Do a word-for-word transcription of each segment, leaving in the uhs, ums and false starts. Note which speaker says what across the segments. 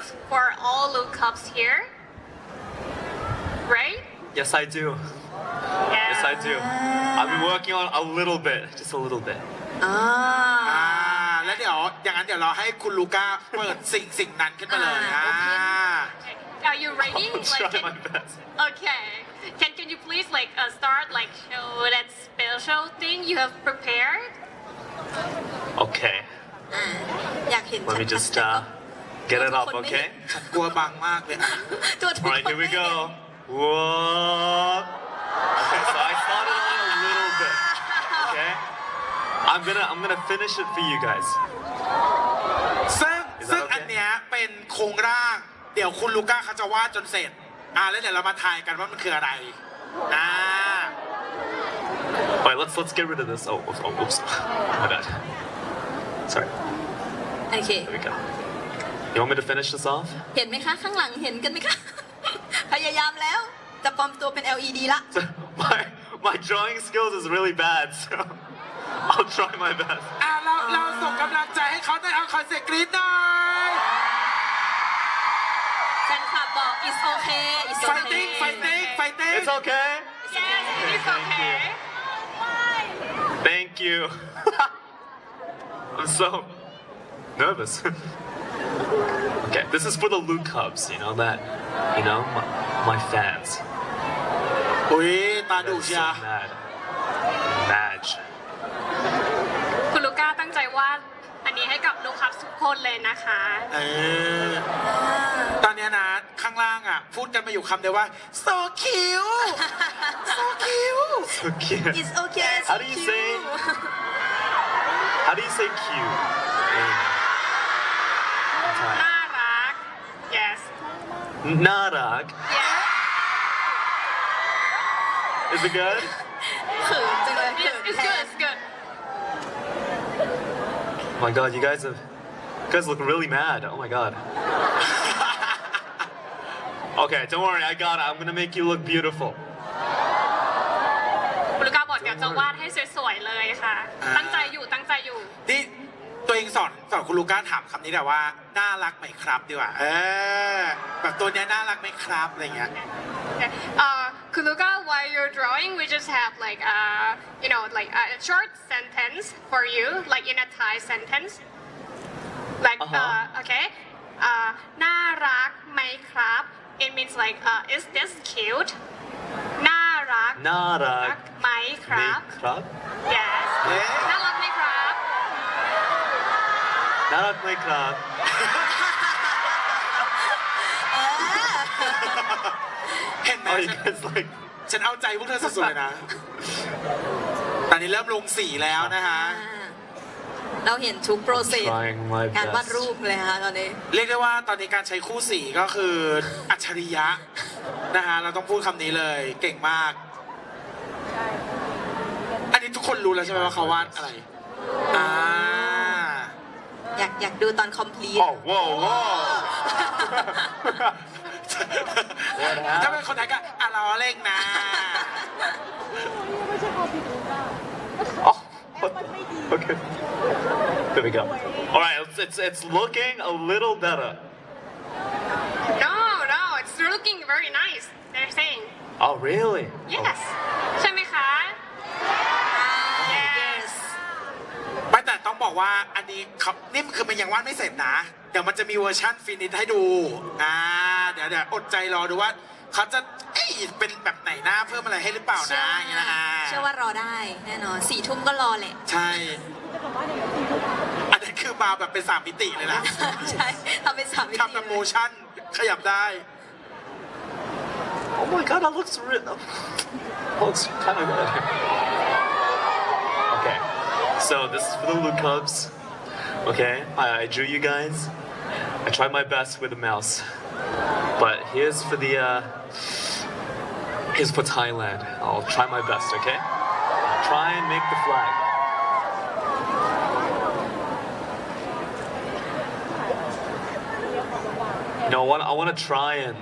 Speaker 1: skills for all look cups here, right?
Speaker 2: Yes, I do.
Speaker 1: Yeah.
Speaker 2: Yes, I do. I've been working on a little bit, just a little bit.
Speaker 3: อ่า
Speaker 4: อ่าแล้วเดี๋ยวอย่างนั้นเดี๋ยวเราให้คุณลูก้าเปิดสิ่งสิ่งนั้นขึ้นมาเลย
Speaker 3: อ่า
Speaker 4: อ่า
Speaker 1: Okay. Are you ready?
Speaker 2: I'll
Speaker 1: Like,
Speaker 2: try
Speaker 1: can-
Speaker 2: my best.
Speaker 1: Okay. Can can you please like uh, start like show that special thing you have prepared?
Speaker 2: Okay,
Speaker 3: อ่าอยากเห็น
Speaker 2: let me
Speaker 3: ชัด
Speaker 2: just
Speaker 3: ๆ
Speaker 2: uh, get it up,
Speaker 3: คนไม่
Speaker 2: okay?
Speaker 4: ฉันกลัวบังมากเลยอ่ะ
Speaker 3: ตัวทุก
Speaker 2: All
Speaker 3: คน
Speaker 2: right, here we
Speaker 3: ไม่เห็น
Speaker 2: go. Whoa. Okay, so I started on a little bit. Okay, I'm gonna I'm gonna finish it for you guys.
Speaker 4: ซึ่ง
Speaker 2: Is that
Speaker 4: ซึ่ง
Speaker 2: okay?
Speaker 4: อันเนี้ยเป็นโครงร่าง เดี๋ยวคุณลูก้าเขาจะวาดจนเสร็จ อ่าแล้วเดี๋ยวเรามาทายกันว่ามันคืออะไร อ่า
Speaker 2: All right, let's let's get rid of this. Oh, oops, oh, oops. My bad. Sorry.
Speaker 3: โอเค
Speaker 2: There we go. You want me to finish this off?
Speaker 3: เห็นไหมคะ ข้างหลังเห็นกันไหมคะ พยายามแล้ว จะปลอมตัวเป็น แอล อี ดี ละ
Speaker 2: My my drawing skills is really bad, so I'll try my best.
Speaker 4: อ่าเราเราส่งกำลังใจให้เขาได้เอาคอนเสิร์ตกรี๊ดหน่อย
Speaker 3: แฟนคลับบอก it's okay it's
Speaker 4: ไฟ
Speaker 3: okay
Speaker 4: ติ้งไฟติ้งไฟติ้ง
Speaker 2: It's okay.
Speaker 1: Yes, it's
Speaker 2: Thank you.
Speaker 1: okay.
Speaker 2: Thank you. I'm so nervous. Okay, this is for the Luke Cubs, you know that, you know, my, my fans.
Speaker 4: อุ้ยตา
Speaker 2: They're
Speaker 4: ดุ
Speaker 2: so
Speaker 4: เชีย
Speaker 2: mad. Mad.
Speaker 1: คุณลูก้าตั้งใจวาดอันนี้ให้กับลูกค้าทุกคนเลยนะคะ
Speaker 4: เออตอนเนี้ยนะข้างล่างอ่ะ พูดกันมาอยู่คำเดียวว่า so cute so cute
Speaker 2: So cute.
Speaker 3: it's okay it's
Speaker 2: How do you
Speaker 3: cute
Speaker 2: say- How do you say cute? in Thai?
Speaker 1: น่ารัก yes
Speaker 2: Narak.
Speaker 1: yeah
Speaker 2: Is it good?
Speaker 3: เขินจังเลยเขิ
Speaker 1: it's,
Speaker 3: น
Speaker 1: it's
Speaker 3: แท
Speaker 1: good
Speaker 3: น
Speaker 1: it's good
Speaker 2: Oh my god, you guys have, you guys look really mad. Oh my god. Okay, don't worry, I got it. I'm gonna make you look beautiful.
Speaker 1: คุณลูก้าบอกเดี๋ยวจะวาดให้สวยๆเลยค่ะ
Speaker 4: อ่า
Speaker 1: ตั้งใจอยู่ตั้งใจอยู่
Speaker 4: นี่ตัวเองสอนสอนคุณลูก้าถามคำนี้แต่ว่า น่ารักไหมครับดีกว่า เออ แบบตัวเนี้ยน่ารักไหมครับอะไรเงี้ย
Speaker 1: Uh, Kuluka, while you're drawing, we just have like uh, you know, like a short sentence for you, like in a Thai sentence. Like,
Speaker 2: Uh-huh.
Speaker 1: uh, okay, uh, น่ารักไหมครับ It means like, uh, is this cute? น่ารัก
Speaker 2: Narak.
Speaker 1: ไหมครับ
Speaker 2: Krab?
Speaker 1: Yes.
Speaker 4: เอ๊ะ
Speaker 1: น่ารักไหมครับ
Speaker 2: Narak my krab.
Speaker 4: เห็นไหม
Speaker 2: Oh, you
Speaker 4: ฉัน
Speaker 2: guys like.
Speaker 4: ฉันเอาใจพวกเธอสุดๆเลยนะ ตอนนี้เริ่มลงสีแล้วนะคะ
Speaker 3: อ่าเราเห็นทุกโปรเซส
Speaker 2: Trying my
Speaker 3: การวาด
Speaker 2: best.
Speaker 3: รูปเลยค่ะตอนนี้
Speaker 4: เรียกได้ว่าตอนนี้การใช้คู่สีก็คืออัจฉริยะนะคะเราต้องพูดคำนี้เลย เก่งมาก อันนี้ทุกคนรู้แล้วใช่ไหมว่าเขาวาดอะไร อ่า
Speaker 3: อยากอยากดูตอนคอมพลีท
Speaker 2: Oh, whoa, whoa.
Speaker 4: ถ้าเป็นคนไทยก็อ่ะเราเล่งนะ
Speaker 2: Oh, what the- okay. There we go. All right, it's, it's it's looking a little better.
Speaker 1: No, no, it's looking very nice. They're saying
Speaker 2: Oh, really?
Speaker 1: yes. ใช่ไหมคะ Yes.
Speaker 4: ไม่แต่ต้องบอกว่าอันนี้เขานี่คือมันยังวาดไม่เสร็จนะ เดี๋ยวมันจะมีเวอร์ชั่นฟินิชให้ดู อ่า เดี๋ยวเดี๋ยวอดใจรอดูว่าเขาจะเอ้ยเป็นแบบไหนหน้าเพิ่มอะไรให้หรือเปล่านะอย่างเงี้ยนะอ่า
Speaker 3: เชื่อว่ารอได้แน่นอนสี่ทุ่มก็รอแหละ
Speaker 4: ใช่ อันนี้คือมาแบบเป็นสามมิติเลยนะ
Speaker 3: ใช่ทำเป็นสามมิติ
Speaker 4: ทำแบบ
Speaker 3: เล
Speaker 4: โม
Speaker 3: ย
Speaker 4: ชั่นขยับได้
Speaker 2: Oh my god, that looks real. Looks kind of good. Okay, so this is for the Luke Cubs. Okay, I, I drew you guys. I tried my best with the mouse, but here's for the uh, here's for Thailand. I'll try my best. Okay, I'll try and make the flag. You know what? I want to try and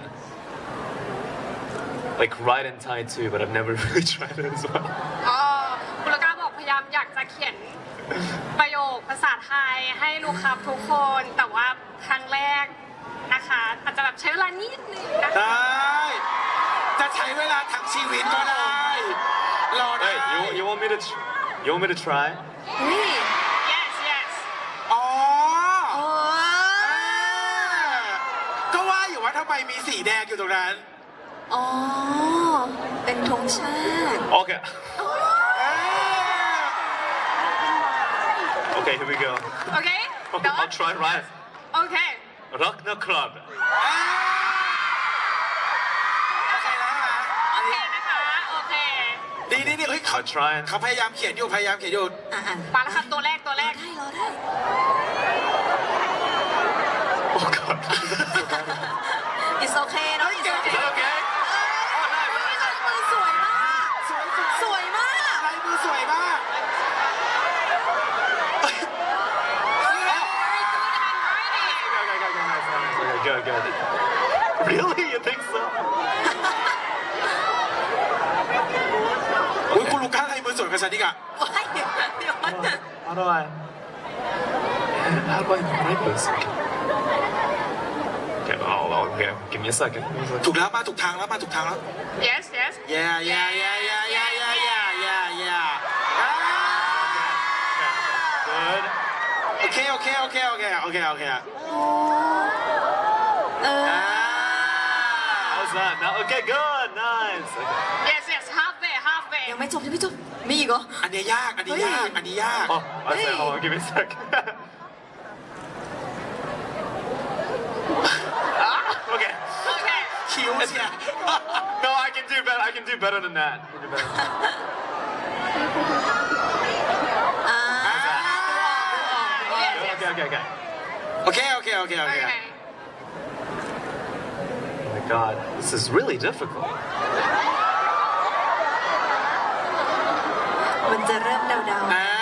Speaker 2: like write in Thai too, but I've never really tried it as well.
Speaker 1: อ๋อคุณลูก้าบอกพยายามอยากจะเขียนประโยคภาษาไทยให้ลูกค้าทุกคน แต่ว่าครั้งแรกนะคะนะคะอาจจะแบบใช้เวลานิดนึงนะคะ
Speaker 4: ได้ จะใช้เวลาทั้งชีวิตก็ได้ รอได้
Speaker 2: Hey, you, you want me to tr- you want me to try?
Speaker 3: อุ้ย
Speaker 1: yes yes
Speaker 4: อ๋อ
Speaker 3: โอ้
Speaker 4: ก็ว่าอยู่ว่าทำไมมีสีแดงอยู่ตรงนั้น
Speaker 3: อ๋อ เป็นธงชาติ
Speaker 2: Okay. Okay, here we go.
Speaker 1: okay
Speaker 2: I'll
Speaker 1: done
Speaker 2: try right.
Speaker 1: okay
Speaker 2: Rock Club.
Speaker 4: โอเคแล้วนะ
Speaker 1: โอเคนะคะโอเค
Speaker 4: ดีดีดีเฮ้ยเขา
Speaker 2: I'll try.
Speaker 4: เขาพยายามเขียนอยู่พยายามเขียนอยู่
Speaker 3: อ่ะอ่ะ
Speaker 1: มาแล้วครับตัวแรกตัว
Speaker 3: ร
Speaker 1: แร
Speaker 3: อก ได้รอได้
Speaker 2: Oh God.
Speaker 3: it's okay เนอะ it's
Speaker 2: Is
Speaker 3: okay
Speaker 2: that okay?
Speaker 3: มือสวยมาก
Speaker 4: สวยสวย
Speaker 3: สวยมาก
Speaker 4: ลายมือสวยมาก
Speaker 1: very good handwriting
Speaker 2: Okay, good, good. Really? You think so?
Speaker 4: อุ้ยคุณลูก้าลายมือสวยกว่าฉันอีกอะ
Speaker 3: ว้ายเดี๋ยวเดี๋ยว
Speaker 2: How do I? How do I write this? Okay, oh, okay. Give me a second. Give me a second.
Speaker 4: ถูกแล้วมาถูกทางแล้วมาถูกทางแล้ว
Speaker 1: yes yes
Speaker 4: yeah yeah yeah yeah yeah yeah yeah yeah yeah อ่า
Speaker 2: Good.
Speaker 4: โอเคโอเคโอเคโอเคโอเคโอเค
Speaker 3: โอ้เออ
Speaker 4: อ่า
Speaker 2: How's that? Now, okay, good, nice. Okay.
Speaker 1: yes yes halfway halfway
Speaker 3: ยังไม่จบยังไม่จบ มีอีกเหรอ
Speaker 4: อันนี้ยากอันนี้ยากอันนี้ยาก
Speaker 2: Oh, I said, hold on, give me a sec. Ah, okay.
Speaker 1: okay
Speaker 4: คิ้วเชีย
Speaker 2: No, I can do better. I can do better than that. I can do better than that.
Speaker 3: อ่า
Speaker 1: yes
Speaker 2: Okay,
Speaker 1: yes
Speaker 2: okay, okay, okay.
Speaker 4: โอเคโอเคโอเคโอเค
Speaker 1: okay
Speaker 2: Oh my God, this is really difficult.
Speaker 3: มันจะเริ่มเดา
Speaker 4: อ่า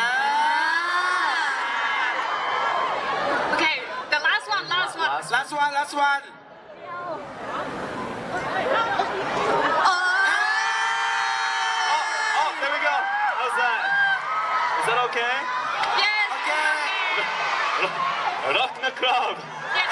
Speaker 1: okay the last one last one
Speaker 2: Last-
Speaker 4: last one last one
Speaker 3: ๆเออ
Speaker 2: Oh, there we go. How's that? Is that okay?
Speaker 1: yes
Speaker 4: โอเค
Speaker 2: Rock the club.
Speaker 1: yes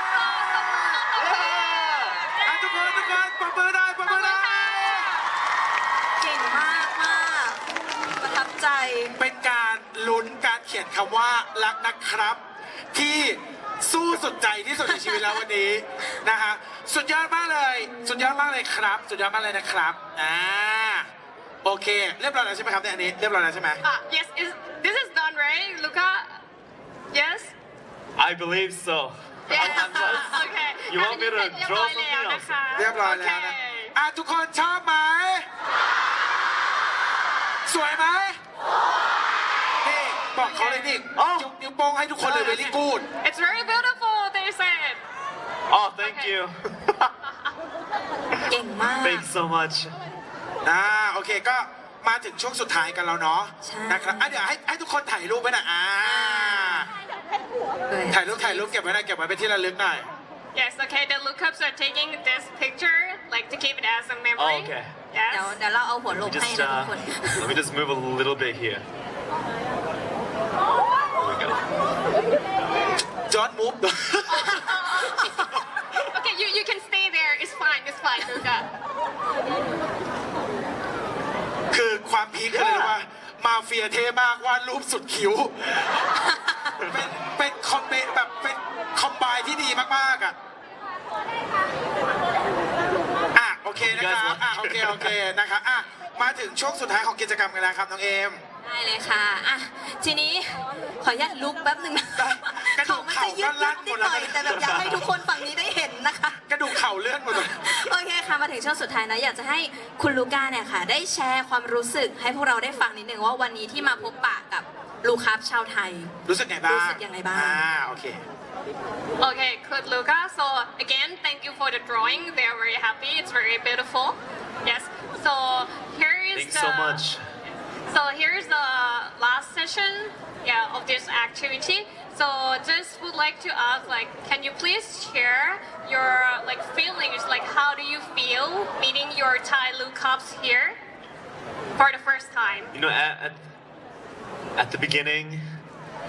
Speaker 4: อ่ะทุกคนทุกคนปรบมือได้ปรบมือได้
Speaker 3: เก่งมากมากประทับใจ
Speaker 4: เป็นการลุ้นการเขียนคำว่ารักนะครับ ที่สู้สุดใจที่สุดในชีวิตแล้ววันนี้นะฮะสุดยอดมากเลย สุดยอดมากเลยครับ สุดยอดมากเลยนะครับอ่าโอเค เรียบร้อยแล้วใช่ไหมครับเนี่ยอันนี้เรียบร้อยแล้วใช่ไหม
Speaker 1: ah yes is this is done right Luca yes
Speaker 2: I believe so.
Speaker 1: yes okay
Speaker 2: You want me to
Speaker 1: เรียบ
Speaker 2: draw
Speaker 1: ร้อย
Speaker 2: something
Speaker 1: แล้ว
Speaker 2: else?
Speaker 1: นะคะ
Speaker 4: เรียบร้อยแล้วนะ
Speaker 1: Okay
Speaker 4: อ่ะทุกคนชอบไหมสวยไหมนี่บอกเขาเลยนี่
Speaker 2: อ๋อ
Speaker 4: ยกนิ้วโป้งให้ทุกคนเลย very good
Speaker 1: it's very beautiful they said
Speaker 2: Oh, thank
Speaker 1: Okay.
Speaker 2: you.
Speaker 3: เก่งมาก
Speaker 2: Thanks so much.
Speaker 4: อ่าโอเคก็มาถึงช่วงสุดท้ายกันแล้วเนาะ
Speaker 3: ใช่
Speaker 4: นะครับอ่ะเดี๋ยวให้ให้ทุกคนถ่ายรูปไว้หน่อยอ่าถ่ายรูปถ่ายรูปเก็บไว้หน่อยเก็บไว้เป็นที่ระลึกหน่อย
Speaker 1: yes okay the lookups are taking this picture like to keep it as a memory
Speaker 2: Oh, okay.
Speaker 3: เดี๋ยว
Speaker 1: yes
Speaker 3: เดี๋ยวเราเอาหัวล
Speaker 2: Let
Speaker 3: ง
Speaker 2: me
Speaker 3: ให้
Speaker 2: just
Speaker 3: นะทุก
Speaker 2: uh,
Speaker 3: คน
Speaker 2: let me just move a little bit here. There we go.
Speaker 4: Don't move
Speaker 1: okay you you can stay there it's fine it's fine Luca
Speaker 4: คือความพีคคืออะไรรู้ป่ะมาเฟียเท่มากวาดรูปสุดคิ้ว เป็นเป็นคอมเบแบบเป็นคอมไบที่ดีมากๆอ่ะอ่ะโอเคนะครับอ่ะโอเคโอเคนะคะอ่ะมาถึงช่วงสุดท้ายของกิจกรรมกันแล้วครับน้องเอม
Speaker 3: ได้เลยค่ะอ่ะ ทีนี้ขออนุญาตลุกแป๊บหนึ่งนะ
Speaker 4: ได้กระดู
Speaker 3: เขา
Speaker 4: ก
Speaker 3: มัน
Speaker 4: เข่า
Speaker 3: จะยื
Speaker 4: ก็
Speaker 3: ด
Speaker 4: ลั่
Speaker 3: ๆ
Speaker 4: น
Speaker 3: นิ
Speaker 4: หม
Speaker 3: ด
Speaker 4: ด
Speaker 3: ห
Speaker 4: แล้ว
Speaker 3: น่อย
Speaker 4: นะ
Speaker 3: แต่แบบอยากให้ทุกคนฝั่งนี้ได้เห็นนะคะ
Speaker 4: กระดูกเข่าเลื่อนหมดเลย
Speaker 3: โอเคค่ะมาถึงช่วงสุดท้ายนะอยากจะให้คุณลูก้าเนี่ยค่ะ ได้แชร์ความรู้สึกให้พวกเราได้ฟังนิดนึงว่าวันนี้ที่มาพบปะกับลูคัสชาวไทย
Speaker 4: รู้สึกไงบ้าง
Speaker 3: รู้สึกยังไงบ้าง
Speaker 4: อ่าโอเค
Speaker 1: okay good Luca so again thank you for the drawing they are very happy it's very beautiful yes so here is
Speaker 2: Thanks
Speaker 1: the
Speaker 2: so much.
Speaker 1: so here's the last session yeah of this activity so just would like to ask like can you please share your like feelings like how do you feel meeting your Thai lookups here for the first time
Speaker 2: You know, at, at, at the beginning, I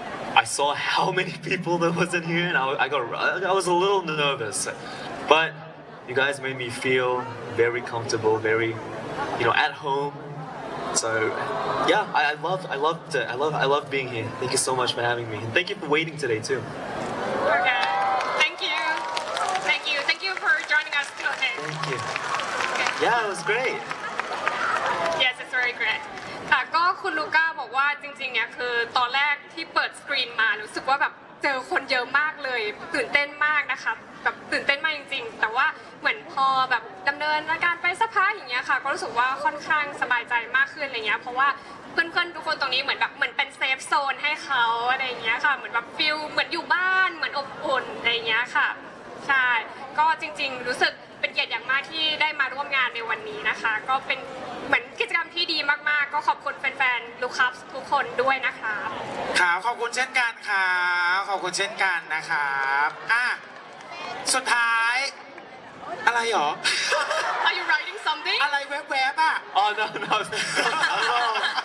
Speaker 2: I saw how many people there was in here, and I, I got I was a little nervous, but you guys made me feel very comfortable, very, you know, at home. So yeah, I, I love I loved it. I love I love being here. Thank you so much for having me, and thank you for waiting today too.
Speaker 1: Okay. Thank you. Thank you. Thank you for joining us today.
Speaker 2: Thank you.
Speaker 1: Okay.
Speaker 2: Yeah, it was great.
Speaker 1: Yes, it's very great. ค่ะก็คุณลูก้าบอกว่าจริงๆเนี่ยคือตอนแรกที่เปิดสกรีนมารู้สึกว่าแบบเจอคนเยอะมากเลยตื่นเต้นมากนะคะแบบตื่นเต้นมากจริงๆ แต่ว่าเหมือนพอแบบดำเนินการไปสักพักอย่างเงี้ยค่ะก็รู้สึกว่าค่อนข้างสบายใจมากขึ้นอะไรเงี้ยเพราะว่าเพื่อนๆทุกคนตรงนี้เหมือนแบบเหมือนเป็นเซฟโซนให้เขาอะไรเงี้ยค่ะเหมือนแบบฟิลเหมือนอยู่บ้านเหมือนอบอุ่นอะไรเงี้ยค่ะใช่ก็จริงๆรู้สึกเป็นเกียรติอย่างมากที่ได้มาร่วมงานในวันนี้นะคะก็เป็นเหมือนกิจกรรมที่ดีมากๆก็ขอบคุณแฟนๆลูกค้าทุกคนด้วยนะคะ
Speaker 4: ครับขอบคุณเช่นกันครับขอบคุณเช่นกันนะครับอ่ะสุดท้ายอะไรหรอ
Speaker 1: Are you writing something
Speaker 4: อะไรแวบๆอ่ะ
Speaker 2: Oh no no. Hello.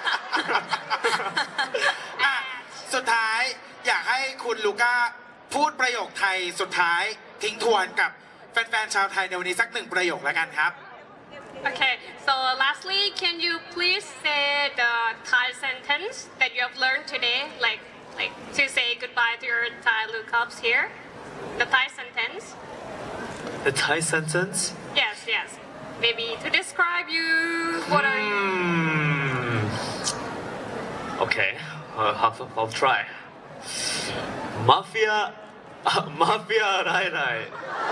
Speaker 4: อ่ะสุดท้ายอยากให้คุณลูก้าพูดประโยคไทยสุดท้ายทิ้งทวนกับแฟนๆชาวไทยในวันนี้สักหนึ่งประโยคแล้วกันครับ
Speaker 1: Okay, so lastly, can you please say the Thai sentence that you have learned today, like like to say goodbye to your Thai lookups here? The Thai sentence?
Speaker 2: The Thai sentence.
Speaker 1: Yes, yes. Maybe to describe you. What are you?
Speaker 2: Hmm. Okay, uh, I'll, I'll try. Mafia, uh, mafia, right, right.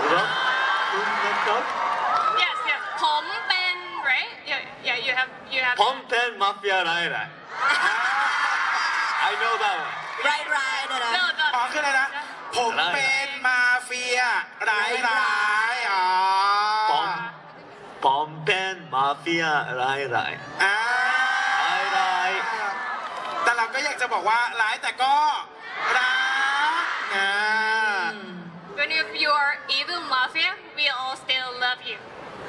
Speaker 1: Yes, yes. ผมเป็น right? Yeah, yeah. You have, you have.
Speaker 2: Pompen mafia, right, right. I know that one.
Speaker 3: ไรไรเด้อ
Speaker 1: No, no.
Speaker 4: อ๋อคืออะไรนะ ผมเป็นมาเฟียร้ายร้ายๆอ๋อ
Speaker 2: Pom, Pompen mafia, right, right.
Speaker 4: อ่า
Speaker 2: Right, right.
Speaker 4: แต่เราก็อยากจะบอกว่าร้ายแต่ก็รักนะ
Speaker 1: Even if you are evil mafia, we all still love you.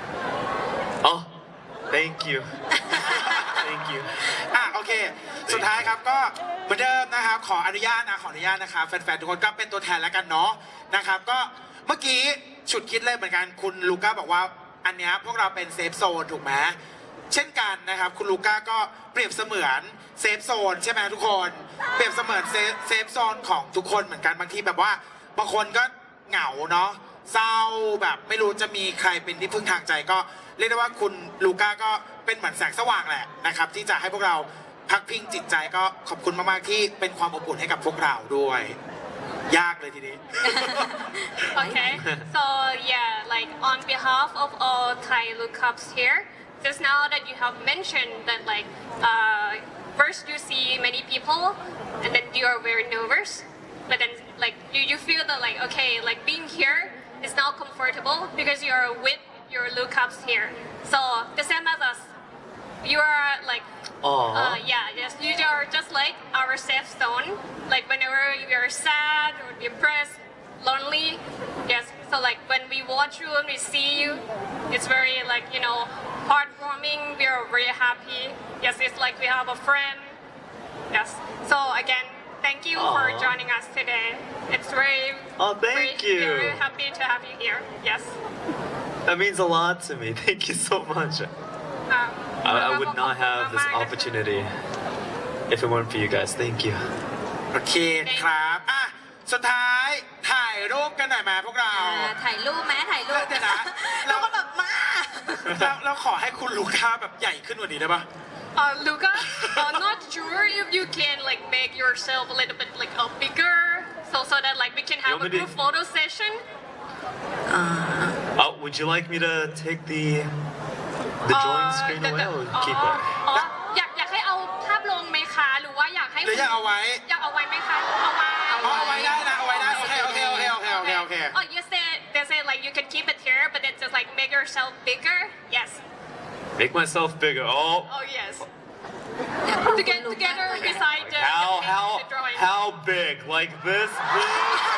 Speaker 2: Oh, thank you. Thank you.
Speaker 4: อ่ะโอเค สุดท้ายครับก็เหมือนเดิมนะครับขออนุญาตนะขออนุญาตนะครับแฟนๆทุกคนก็เป็นตัวแทนแล้วกันเนาะนะครับก็เมื่อกี้ฉุดคิดเลยเหมือนกันคุณลูก้าบอกว่าอันเนี้ยพวกเราเป็นเซฟโซนถูกไหมเช่นกันนะครับคุณลูก้าก็เปรียบเสมือนเซฟโซนใช่ไหมทุกคนเปรียบเสมือนเซฟเซฟโซนของทุกคนเหมือนกันบางทีแบบว่าบางคนก็เหงาเนาะเศร้าแบบไม่รู้จะมีใครเป็นที่พึ่งทางใจก็เรียกได้ว่าคุณลูก้าก็เป็นเหมือนแสงสว่างแหละนะครับที่จะให้พวกเราพักพิงจิตใจก็ขอบคุณมากๆที่เป็นความอบอุ่นให้กับพวกเราด้วย ยากเลยทีนี้
Speaker 1: Okay, so yeah, like on behalf of all Thai lookups here, just now that you have mentioned that like uh, first you see many people and then you are very nervous, but then like you, you feel that like okay, like being here is now comfortable because you are with your lookups here. So the same as us, you are like
Speaker 2: Aw.
Speaker 1: uh, yeah, yes, you are just like our safe zone. Like whenever you are sad or depressed, lonely, yes. So like when we watch you and we see you, it's very like you know heartwarming. We are very happy. Yes, it's like we have a friend. Yes. So again, thank you for
Speaker 2: Aw.
Speaker 1: joining us today. It's very
Speaker 2: Oh, thank
Speaker 1: very,
Speaker 2: you.
Speaker 1: very happy to have you here. Yes.
Speaker 2: That means a lot to me. Thank you so much.
Speaker 1: Um,
Speaker 2: I, I would not have this opportunity if it weren't for you guys. Thank you.
Speaker 4: โอเคครับอ่ะสุดท้ายถ่ายรูปกันหน่อยไหมพวกเรา
Speaker 3: ถ่ายรูปไหมถ่ายรูป
Speaker 4: เดี๋ยวนะ
Speaker 3: แล้วก็แบบมา
Speaker 4: เราเราขอให้คุณลูก้าแบบใหญ่ขึ้นกว่านี้ได้ปะ
Speaker 1: Uh, Luca, I'm not sure if you can like make yourself a little bit like uh, bigger, so so that like we can have
Speaker 2: You want
Speaker 1: a
Speaker 2: me
Speaker 1: group
Speaker 2: to-
Speaker 1: photo session.
Speaker 2: Oh, would you like me to take the the drawing
Speaker 1: Uh,
Speaker 2: screen
Speaker 1: the-
Speaker 2: away
Speaker 1: the-
Speaker 2: or
Speaker 1: อ๋อ
Speaker 2: keep it?
Speaker 1: อ๋ออยากอยากให้เอาภาพลงไหมคะหรือว่าอยากให้
Speaker 4: หรืออยากเอาไว้
Speaker 1: อยากเอาไว้ไหมคะเอาไว้
Speaker 4: เอาเอาไว้ได้นะเอาไว้ได้โอเคโอเคโอเคโอเคโอเคโอเค
Speaker 1: Oh, you said they say like you can keep it here, but then just like make yourself bigger. Yes.
Speaker 2: Make myself bigger. Oh,
Speaker 1: Oh yes.
Speaker 3: อยากพูด
Speaker 1: To
Speaker 3: คุ
Speaker 1: get
Speaker 3: ณลูก้า
Speaker 1: together beside the,
Speaker 2: how
Speaker 1: the,
Speaker 2: how
Speaker 1: the drawing.
Speaker 2: how big? Like this big?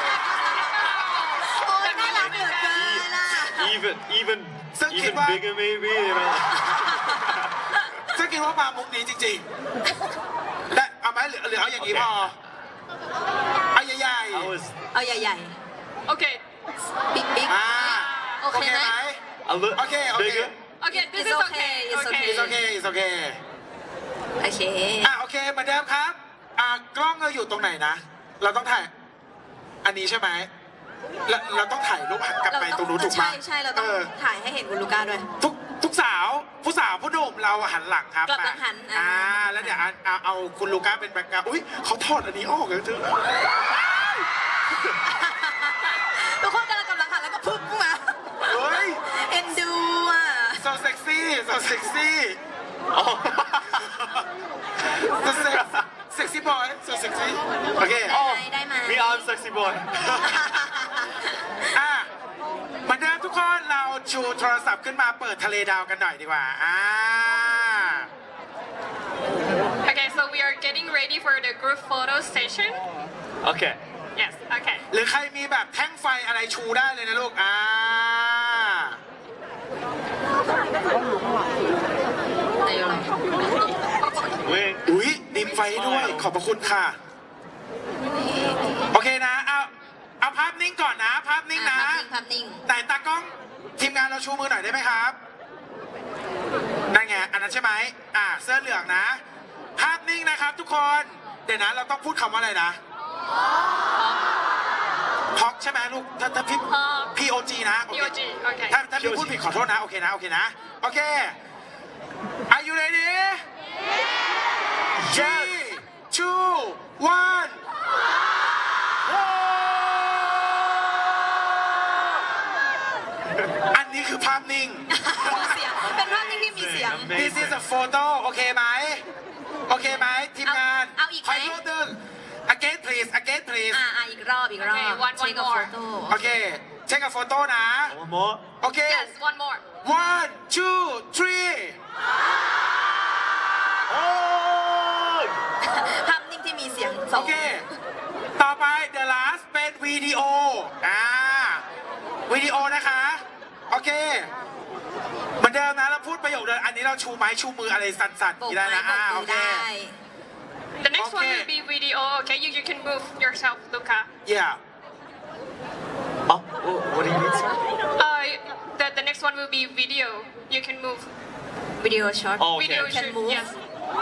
Speaker 3: โอ้ยน่ารักเหลือเกินล่ะ
Speaker 2: Even even
Speaker 4: So
Speaker 2: even
Speaker 4: keep up.
Speaker 2: bigger maybe. You know.
Speaker 4: ซึ่งคิดว่ามามุกนี้จริงๆและเอาไหมหรือหรือเอาอย่างนี้พอเอาใหญ่
Speaker 2: I was
Speaker 3: เอาใหญ่
Speaker 1: Okay.
Speaker 3: ๆบิ๊กบิ๊ก
Speaker 4: ๆอ่า
Speaker 3: โอ
Speaker 4: โอ
Speaker 3: เค
Speaker 4: เค
Speaker 3: ไหม
Speaker 4: ไหม
Speaker 2: a little
Speaker 4: Okay, okay.
Speaker 2: bigger.
Speaker 1: Okay, this
Speaker 3: It's
Speaker 1: is
Speaker 3: okay,
Speaker 1: okay.
Speaker 3: it's okay.
Speaker 4: it's okay it's okay
Speaker 3: โอเค
Speaker 4: อ่ะโอเคเหมือนเดิมครับอ่ากล้องเราอยู่ตรงไหนนะ เราต้องถ่าย อันนี้ใช่ไหมเราเราต้องถ่ายรูปหันกลับไปตรงนู้นถูกไหม
Speaker 3: ใช่ใช่เราต้อง
Speaker 4: ออ
Speaker 3: ถ่ายให้เห็นคุณลูก้าด้วย
Speaker 4: ทุกทุกสาวผู้สาวผู้หนุ่มเราหันหลังครับ
Speaker 3: กลับหลังหันอ่า
Speaker 4: อ่าแล้วเดี๋ยวเอาเอาเอาคุณลูก้าเป็นแบ็คกราวด์อุ้ยเขาถอดอันนี้ออกเลยเธอ
Speaker 3: ทุกคนกำลังกำลังหันแล้วก็พึ่งมา
Speaker 4: เฮ้ย
Speaker 3: เอ็นดูอ่ะ
Speaker 4: so sexy so sexy
Speaker 2: Oh.
Speaker 4: so sex sexy boy so sexy โอเค
Speaker 3: ได้ไหมได้ไหม
Speaker 2: Me, I'm sexy boy.
Speaker 4: อ่ะเหมือนเดิมทุกคนเราชูโทรศัพท์ขึ้นมาเปิดทะเลดาวกันหน่อยดีกว่าอ่า
Speaker 1: Okay, so we are getting ready for the group photo session.
Speaker 2: Okay.
Speaker 1: Yes. Okay.
Speaker 4: หรือใครมีแบบแท่งไฟอะไรชูได้เลยนะลูก อ่า
Speaker 3: ได้อยู่แล้ว
Speaker 2: Wink.
Speaker 4: อุ๊ยดิมไฟด้วย ขอบพระคุณค่ะ โอเคนะ เอา เอาภาพนิ่งก่อนนะ ภาพนิ่งนะ
Speaker 3: ภาพนิ่งภาพนิ่ง
Speaker 4: ไหนตากล้องทีมงานเราชูมือหน่อยได้ไหมครับ นั่นไง อันนั้นใช่ไหม อ่า เสื้อเหลืองนะ ภาพนิ่งนะครับทุกคน เดี๋ยวนะ เราต้องพูดคำว่าอะไรนะพ็อกใช่ไหมลูก ถ้าถ้าพี่
Speaker 1: Pog
Speaker 4: P O G นะโอเค
Speaker 1: P O G Okay.
Speaker 4: ถ้าถ้าพี่พูดผิดขอโทษนะ โอเคนะ โอเคนะ โอเค Are you ready three two one อันนี้คือภาพนิ่ง
Speaker 3: มีเสียง เป็นภาพนิ่งที่มีเสียง
Speaker 2: Amazing.
Speaker 4: This is a photo โอเคไหม โอเคไหมทีมงาน
Speaker 3: เอาเอาอีกไหม
Speaker 4: ขออีกรูปหนึ่ง again please again please
Speaker 3: อ่าอ่าอีกรอบอีกรอบ
Speaker 1: Okay, one- one
Speaker 3: เช็คกับ
Speaker 1: more
Speaker 3: โฟโต้
Speaker 4: โอเค เช็คกับโฟโต้นะ
Speaker 2: One more.
Speaker 4: โอเค
Speaker 1: Yes. One more.
Speaker 4: one two three
Speaker 2: Oh.
Speaker 3: ภาพนิ่งที่มีเสียงส
Speaker 4: โอ
Speaker 3: อง
Speaker 4: เค ต่อไป the last เป็นวิดีโอ อ่า วิดีโอนะคะ โอเค เหมือนเดิมนะ เราพูดประโยคเดิม อันนี้เราชูไม้ชูมืออะไรสั่นๆ
Speaker 3: โบ
Speaker 4: อก ย่างนี้ได้
Speaker 3: ไม้
Speaker 4: นะ
Speaker 3: โบ
Speaker 4: อ่าก โอ
Speaker 3: มือ
Speaker 4: เค
Speaker 3: ได้
Speaker 1: The next one
Speaker 4: Okay.
Speaker 1: will be video. Okay. You you can move yourself, Luca.
Speaker 4: yeah
Speaker 2: Oh, wh- what do you mean, sir?
Speaker 1: Uh, the the next one will be video. You can move.
Speaker 3: วิดีโอช็อต
Speaker 2: Oh, okay.
Speaker 1: Video
Speaker 3: Can
Speaker 1: shoot.
Speaker 3: move.
Speaker 1: Yes.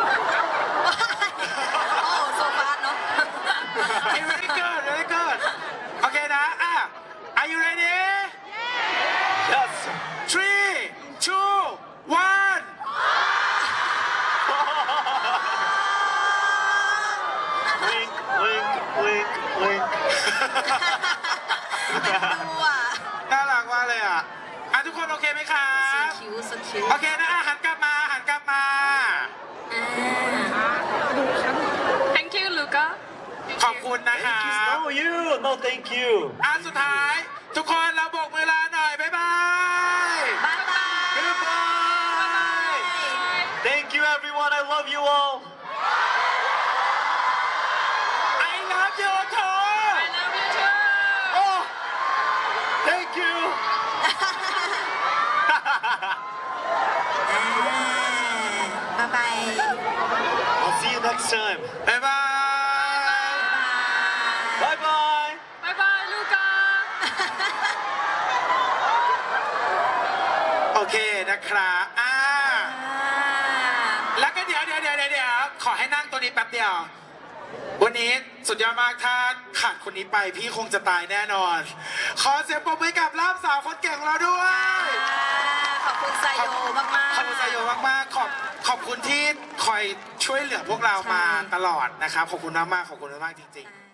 Speaker 3: โอ้โซฟาเนาะ
Speaker 4: Hey, very good very good โอเคนะ อ่ะ are you ready
Speaker 2: Yes.
Speaker 4: three two one
Speaker 2: Wink, wink, wink, wink.
Speaker 3: ดูอ่ะ
Speaker 4: น่ารักมากเลยอ่ะ อ่ะ ทุกคนโอเคไหมครั
Speaker 3: ส
Speaker 4: บ
Speaker 3: คิวสคิว
Speaker 4: โอเคนะอ่ะหันกลับมาหันกลับมา
Speaker 1: Thank you, Luca. Thank
Speaker 4: ขอบ
Speaker 1: you.
Speaker 4: คุณนะครั
Speaker 2: Thank you.
Speaker 4: บ
Speaker 2: No, you. No, thank you.
Speaker 4: อ่ะสุดท้าย ทุกคนเราโบกมือลาหน่อย บ๊ายบาย
Speaker 3: บายบาย
Speaker 2: Goodbye. Thank you, everyone. I love you all.
Speaker 4: I love you โถ
Speaker 1: I love you too.
Speaker 2: Oh, thank you.
Speaker 3: บายบาย
Speaker 2: I'll see you next time.
Speaker 4: บ๊ายบาย
Speaker 2: Bye bye.
Speaker 1: Bye bye, Luca.
Speaker 4: โอเคนะครับอ่าแล้วก็เดี๋ยวเดี๋ยวเดี๋ยวเดี๋ยวขอให้นั่งตัวนี้แป๊บเดียว วันนี้สุดยอดมากถ้าขาดคนนี้ไปพี่คงจะตายแน่นอน ขอเสียงปรบมือกับล่ามสาวคนเก่งของเราด้วย
Speaker 3: ขอบคุณไซโยมากๆ
Speaker 4: ขอบคุณไซโยมากๆ ขอบขอบคุณที่คอยช่วยเหลือพวกเรามา
Speaker 3: ใช่
Speaker 4: ตลอดนะครับ ขอบคุณมากๆ ขอบคุณมากๆจริง ๆ